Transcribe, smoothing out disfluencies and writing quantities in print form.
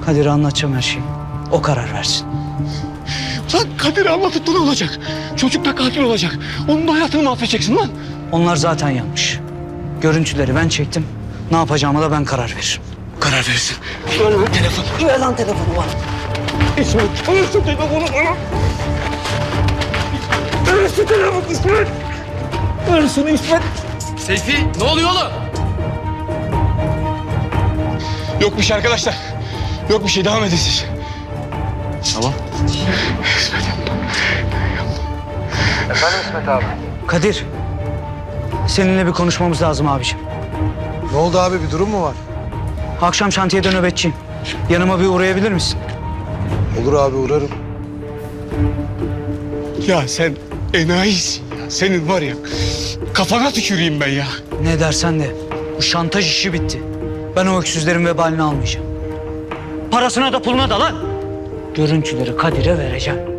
Kadir'e anlatacağım her şeyi. O karar versin. Lan Kadir'i anlatıp da ne olacak? Çocuk da katil olacak. Onun da hayatını mahvedeceksin lan. Onlar zaten yanlış. Görüntüleri ben çektim. Ne yapacağıma da ben karar veririm. Karar verirsin. Ver lan telefonu. Ver lan telefonu bana. İsmet, ver şu telefonu bana. Ver şu telefonu İsmet. Ver şunu İsmet. Seyfi, ne oluyor oğlum? Yok bir şey arkadaşlar. Yok bir şey, devam edin siz. Tamam. İsmet yapma. Efendim İsmet abi? Kadir, seninle bir konuşmamız lazım abiciğim. Ne oldu abi, bir durum mu var? Akşam şantiyede nöbetçiyim. Yanıma bir uğrayabilir misin? Olur abi, uğrarım. Ya sen enayisin ya. Senin var ya, kafana tüküreyim ben ya. Ne dersen de bu şantaj işi bitti. Ben o öksüzlerin vebalini almayacağım. Parasına da puluna da lan. Görüntüleri Kadir'e vereceğim.